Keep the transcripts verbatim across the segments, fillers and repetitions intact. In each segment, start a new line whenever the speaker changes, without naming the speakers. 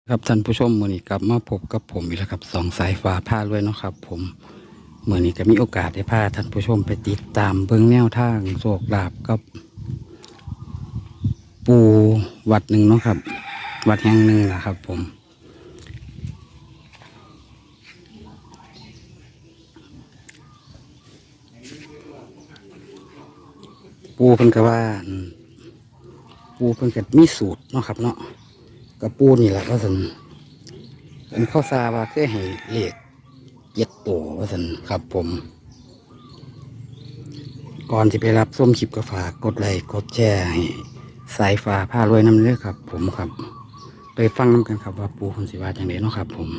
ครับท่านผู้ชมมื่อนี้กลับมาพบกับผมอีกแล้วครับสองสายฟ้าผ้าด้วยเนาะครับผมเมื่อนี้ก็มีโอกาสได้พาท่านผู้ชมไปติดตามเบื้องแนวทางโศกลาบกับปูวัดหนึ่งเนาะครับวัดแห่งหนึ่งนะครับ ผมปูเพิ่นก็ว่าปูเพิ่นก็มีสูตรเนาะครับเนาะกับปูนี่แหละว่าสันเป็นข้าวซาว่าเคยให้เลขเจ็ดตัวว่าสันครับผมก่อนที่ไปรับส้มคลิปก็ฝากกดไลค์กดแชร์ให้สายฟ้าผ้ารวยน้ำเลือครับ ผมครับไปฟังน้ำกันครับว่าปูคนสิว่าอย่างไรเนาะครับผม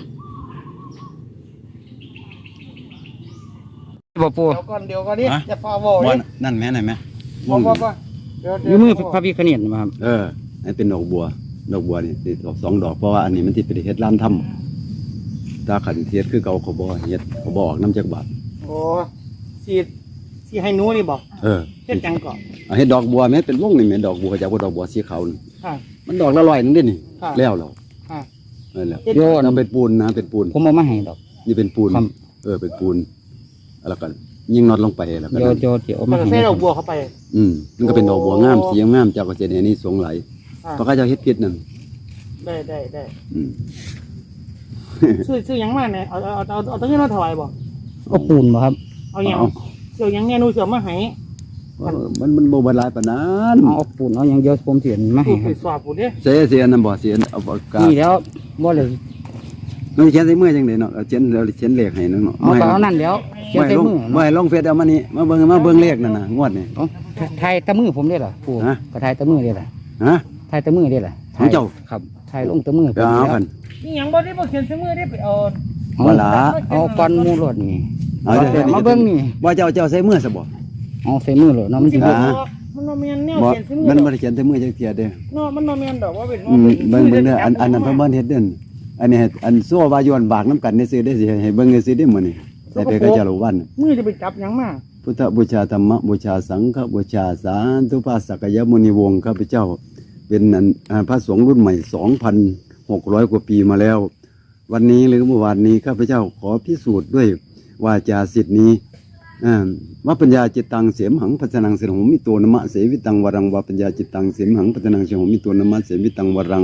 บอกปู
เดี๋ยวก่อนเดี๋ยวก่อนนี่
ฮะ
จะฟาโว
ว่า
นี่
นั่นแม่ไหนแม่
บอกว่าว่าเดี๋ยว
อ
เดี๋
ยู่
ยว
มือพระพิฆเนศมาครับ
เอออันเป็นดอกบัว ดอกบัวนี่ติดดอกสองดอกเพราะว่าอันนี้มันที่เป็นเฮ็ดล้านถ้ำตาขันเทียดคือเก่าเขาบ่เฮ็ดเขาบอกน้ำจักบาท
โอ้สีสีให้หนูนี่บอก
เออ
เฮ็ดจังก่อน
เอาเฮ็ดดอกบัวแม่เป็นวงนี่แม่ดอกบัวจากว่าดอกบัวสีขาวนี่
ค่ะ
มันดอกละร้อยนึงเด้นี่
ค่ะ
แล้วเรา
ค่ะ
เออแล้ว
โยน
น้ำเป็นปูนนะเป็นปูน
ผมเอามาให้ดอก
นี่เป็นปูน
ครับ
เออเป็นปูนแล้วก็ยิงน็อตลงไปแล้วก็
โย
นั่น
โยเดี๋ยวเอา
มั
มาน ให้
ใส่ดอกบัวเข้าไป
อืมมันก็เป็นดอกบัวงามสีงามเจ้าก็จะเนี่ยนี่สงไหล
ค่ะ
เพราะเขาเจะเฮ็ดผิดนั่น
ได้ได้ได้
อืม
ซื้อซื้อหยังมาเนี่ยเอาเอาเอาเอาเอาตั้งเงินมาถวายบ่
ก็ปูนบ่ครับ
เอาหยังเสี่ยวหยังแน่หนูเสี่ยวมาให้
เออมันมันบ่บรรลายปานนั้น
เอาปูนเอาอย่างเดียวผมเสียนมาให้
ผู้
ค
ไป
รับ
สอบผู้เด้
เสียเสียนั่นบ่เสียเอาปากกา
นี่แล้วบ่เลย
มันเขียนใส่มือจังได๋เนาะเอาเขียนแล้วเขียนเลขให้นั่นเนาะ
เอาก็เอานั่นแล้วเขียน
ไม่
ใส่
ลง
มือ
ไม่ลงเฟซเอามานี่มาเบิ่งมาเบิ่งเลขนั่นน่ะงวดนี่
เอาไทยตะมือผมได้เหรอปู
ฮะ
ก็ไทยตะมือได้เหรอ
ฮะ
ไทยตะมือได้เหรอ
ของเจ้า
ครับไทยลงตะมือ
ไปเอากัน
นี่หยังบ่ได้บ่เขียนใส่มือได้ไปเอา
เอา
ว่าละ
เอาก้อนหมูรถนี่
เอาเดี๋ยว
มาเบิ่งนี่
ว่าเจ้าเจ้าใส่มือซะบ่
เอาใส่มือรถเนาะมันสิ
บ่
เบิ่ง
มันบ่แม่นแนว
บ่
เขียนใส่มือ
มัน
ด
บ่
อก
ได้เขียนใส่มือจักเที่ยเด้อ
เนาะมันบ่แม่นดอกว่าเป็น
อืมเบิ่งเบิ่งเด้ออันอันนั้นเพิ่นบ่เฮ็ดเด้ออันนี้ให้อันซัวว่าย้อนบากน้ำกันได้ซื้อได้สิให้เบิ่งได้ซื้อได้มื้อนี้ใส่ไปก็จะรู้วัน
มือจะไปจับหยังมา
พุทธบูชาธรรมบูชาสังฆบูชาสาธุภาสักยมุนีวงศ์ข้าพเจ้า เป็นอันอ่าพระสงฆ์รุ่นใหม่ สองพันหกร้อย กว่าปีมาแล้ว วันนี้หรือเมื่อวานนี้ข้าพเจ้าขอพิสูจน์ด้วยวาจาสิทธินี้อ่าว่าปัญญาจิตตังเสียมหังพัฒนังเสนหมิตัวนมะเสวิตังวรังว่าปัญญาจิตตังเสียมหังพัฒนังเสนหมิตัวนมะเสวิตังวรัง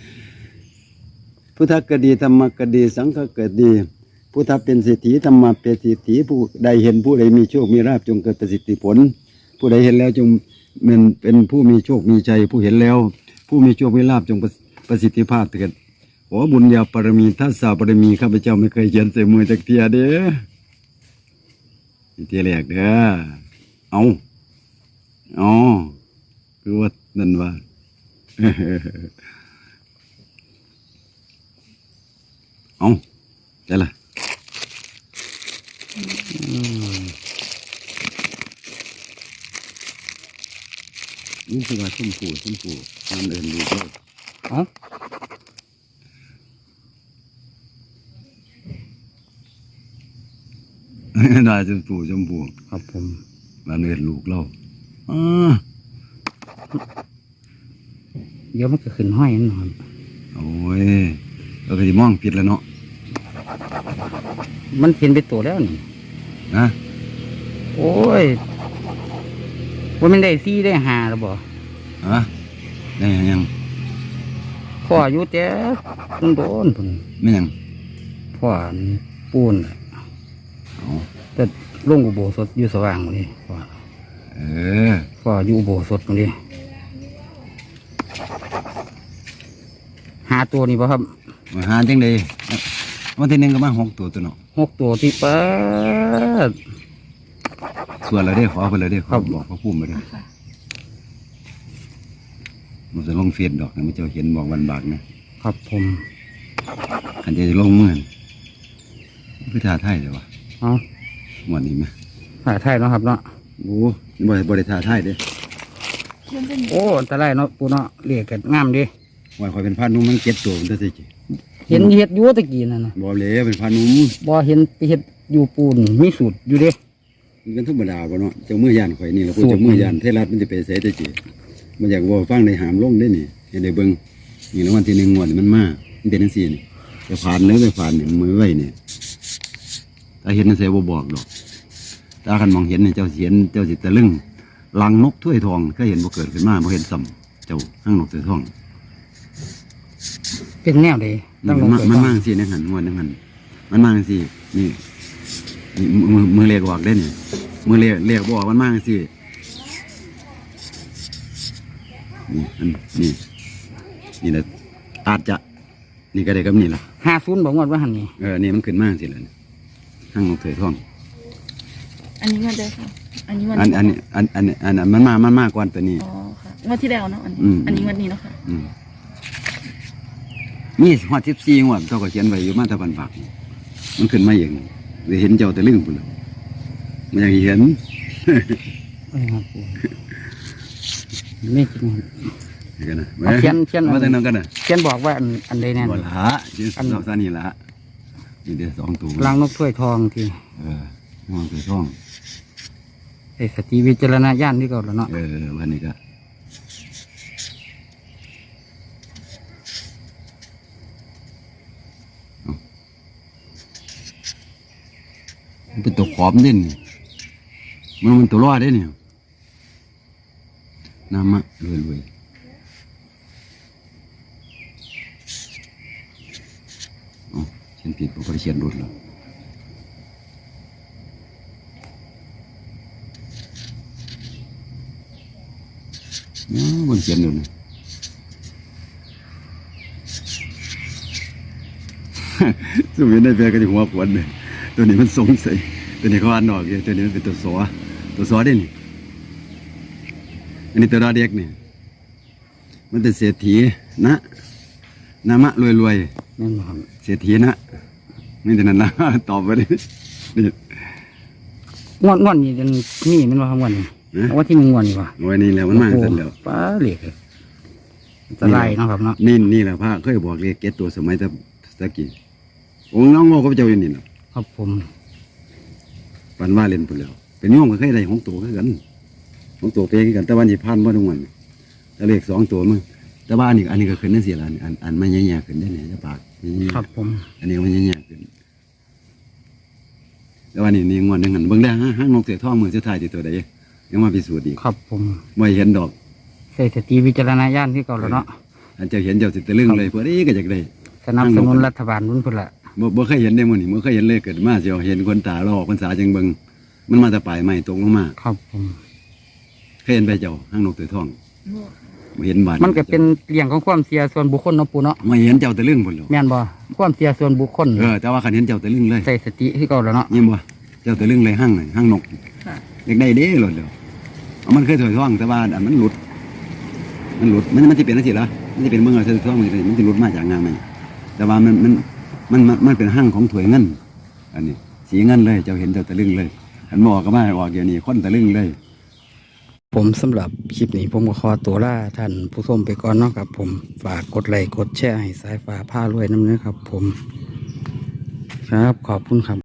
พุทธกดีธรรมกดีสังฆกดีพุทธเป็นเศรษฐีธรรมะเป็นเศรษฐีผู้ใดเห็นผู้ใดมีโชคมีลาภจงเกิดประสิทธิผล ผู้ใดเห็นแล้วจงเป็นเป็นผู้มีโชคมีชัยผู้เห็นแล้ว ผู้มีโชคมีลาภจงประสิทธิภาพเถิดขอบุญญาปรมีทัสสะปรมีข้าพเจ้าไม่เคยเขียนใส่มือจักเทียเด้อเทียแรกเด้อเอาอ๋อคือว่านั่นว่า เอาได้ละนี่คือว่าชุ่มผูชุ่มผูน้ำเดินดูโลก
เอา
ได้ชมพูชมพู
ครับผม
มาเนื้อลูกเราอ่า
เดี๋ยวมันก็ขึ้นห้อยนั่นครับ
โอ้ยเราก็จะมองผิดแล้วเนาะ
มันเปลี่ยนไปตัวแล้วนี่
นะ
โอ้ยว่ามันได้ซี่ได้หาแล้วบ่
ฮะได้ยัง
พ่ออยู่แต่ต้นโดนพุ่น
ไม่ยัง
พ่อปูน
อ๋อ
แต่ลงอุโบสถอยู่สว่างเลยพ่อ
เออ
พ่ออยู่อุโบสถเลยหาตัวนี้ป่ะครับ
มาหาจังเลยวันที่หนึ่งก็มาหกตัวตัวเนาะ
หกตัวที่ป้าด
ส่วนเราได้ขอไปเลยได้ข
ครั
อบ บอกเขาพูดมาเลยมันจะลงเฟียดดอกนะไม่เจ้าเห็นบอกวันบากนะครับ
ผม
ขันจะลงเมื่อนคือท่าไทยเลยวะ
เอา
หมวดนี้ไหม
ถ่ายไทยเนาะครับเนาะ
โอ้บริบริท่าไทยเด้
โอ้อันตรายเนาะปูเนาะเรียกกันงามดิ
ว่าคอยเป็นพานุ่มมันเก็ตตัวมันจะสิ
เห็นเห็ดอยู่ตะกี้นั่นนะ
บอเลยเป็นพานุ่ม
บ่เห็นไปเห็ดอยู่ปูนมีสูตรอยู่เด้
มันกันธรรมดาบ่เนาะเจ้ามือยานข่อยนี่แหละพูดเจ้ามือยานเทรัฐมันจะไปเสแต่จีมันอยากว่าฟังในหามลงได้นี่เห็นได้เบิ่งนี่รางวัลที่หนึ่งงวดนี่มันมามันเป็นจังซี่นี่จะผ่านหรือไม่ผ่านนี่มือไว้นี่ถ้าเห็นจังซี่บ่บอกดอกถ้าคันมองเห็นนี่เจ้าสิเห็นเจ้าสิตะลึงลังนกถ้วยทองเคยเห็นบ่เกิดขึ้นมาบ่เห็นซ้ำเจ้าห้างนกถ้วยทอง
เป็นแนวใด
นี่
ต้องล
มัน
ง
มา
ไป
มัน
ก่อ
มาน จังซี่ในหันงวดในหันมันมาจังซี่นี่นี่มือมือเรียกออกได้นี่มือเรียกเรียกบ่ออกมันมาจังซี่นี่อันนี่นี่แหละอาจจะนี่ก็ได้กับนี่ล่ะ
ห้าศูนย์บอกงวดว่าหันนี่
เออนี่มันขึ้นมาจังซี่ล่ะห้างนกถ้วยทอง
อันนี้มันได้ค่ะ อันนี้มัน
อันอันนี้อันอันอันอันมันมามันมากกว่าตัวนี้
อ๋อค่ะงวดที่แล้วเนาะอันนี้
อืม
อันนี้งวดนี้เนาะค่ะ
อืมนี่หัวสิบสี่หัวเจ้าก็เขียนไว้อยู่มาแตะบันปากมันขึ้นมาเองเลยเห็นเจ้าแต่ลึงปุ่นแล้วมันยังเห็น
เออครับผมไม่จริง
เห็นกันนะ
เอาเขียนเขียน
มาตั้งนั้นกันนะ
เขียนบอกว่าอันอันใดแน่น
บ่ละยืน
อัน
สองซานี่ละนี่เดี๋ยวสองตัว
ล้างนกถ้วยทองที
เออมองตัวช่อง
ไอ้สติวิจารณญาณที่เก่าแล้วเนาะ
เออวันนี้ก็เอามันเป็นตัวขอมเด่นมันมันตัวรอดได้เนี่ยน้ำมะรวยรวยอ๋อเขียนผิดผมก็เขียนรถแล้วอ๋อบนเขียนดูนะ สมัยในแปลก็จะหัวขวนเลยตัวนี้มันสงสัยตัวนี้เขาอ่านออกเลยตัวนี้มันเป็นตัวสอตัวสอได้นี่อันนี้ตัวดาเด็กนี่มันเป็นเศรษฐีนะนามะรวยรวย
แม่นบ่ครับ
ๆเศรษฐีนะนี่แต่นั้นนะ ตอบไปเลยนี่
งวดงวดนี่มันนี่แมันว่างวดนี่
นะ
ว่าที่มึงงวดนี่วะ
โอ้ยนี่แหล้วมันมาสั่นแล้ว
ป้าเหล็กเลยอันตรายเนาะครับเนาะ
นี่นี่แหละพระเคยบอกเลยเก็ตตัวสมัยตะตะกี้องค์น้องโง่ก็เจ้าอยู่นี่เนาะ
ครับผม
ปันว่าเล่นไปแล้วเป็นโยมก็เคยได้ของตัวคือกันของตัวเปคือกันแต่วันที่พันว่าทุกวันแต่เลขสองตัวมึงแต่ว่าอันนี้อันนี้ก็ขึ้นนั่นสิละอันอันไม่แย่ๆขึ้นได้เนี่ยจะปากนี่
ครับผม
อันนี้มันแย่ๆขึ้นแต่ว่านี่นี่งวดหนึงหันเบิ่งได้ฮะห้างนกเสือท่องมือสุดท้ายที่ตัวใดยังมาพิสูจน์อีก
ครับผม
ไม่เห็นดอก
ใส่สติวิจารณญาณที่เก่าแล้วเนาะ
อันเจ้าเห็นเจ้าสิตะลึงเลยพอดีก็อยากได้
สนับสนุนรัฐบาลนุ่นพุ่นละ
บ่บ่เคยเห็นได้มื้อนี้บ่เคยเห็นเลยเกิดมาเสียวเห็นคนตาลอกพรรษาจังเบิ่งมันมาแต่ปลายไม้ตกลงมา
ครับผม
เคยเห็นไปเจ้าห้างนกเสือท่องบ่เห็นบาด
มันก็เป็นเรื่องของความเสียส่วนบุคคลเนาะปูเนาะ
ไม่เห็นเจ้าตะลึงพุ่นแล้ว
แม่นบ่ความเสียส่วนบุคคล
เออแต่ว่าคันเห็นเจ้าตะลึงเลย
ใส่สติที่เก่าแล้วเนาะ
ยินบ่เจ้าตะลึงเลยห้างน่ะห้างนก
ค่ะ
เด็กได้เด้หลดเดียวเอามันเคยถอยท่องแต่ว่าอันมันหลุด มันหลุดมันมันจะเป็นอะไรสิล่ะมันจะเป็นเมืองอะไรถอยท่องมันจะมันจะหลุดมาจากงานไหมแต่ว่ามันมันมันมันมันเป็นห้างของถวยเงิน อันนี้ สีเงินเลยเจ้าเห็นเจ้าตะลึงเลยอันบอกก็มาออกเดี๋ยวนี้คนตะลึงเลย
ผมสำหรับคลิปนี้ผมก็ขอตัวลาท่านผู้ชมไปก่อนเนาะครับ ผมฝากกดไลค์กดแชร์ให้สายฟ้าผ้ารวยน้ำเนื้อครับ ผม ครับขอบคุณครับ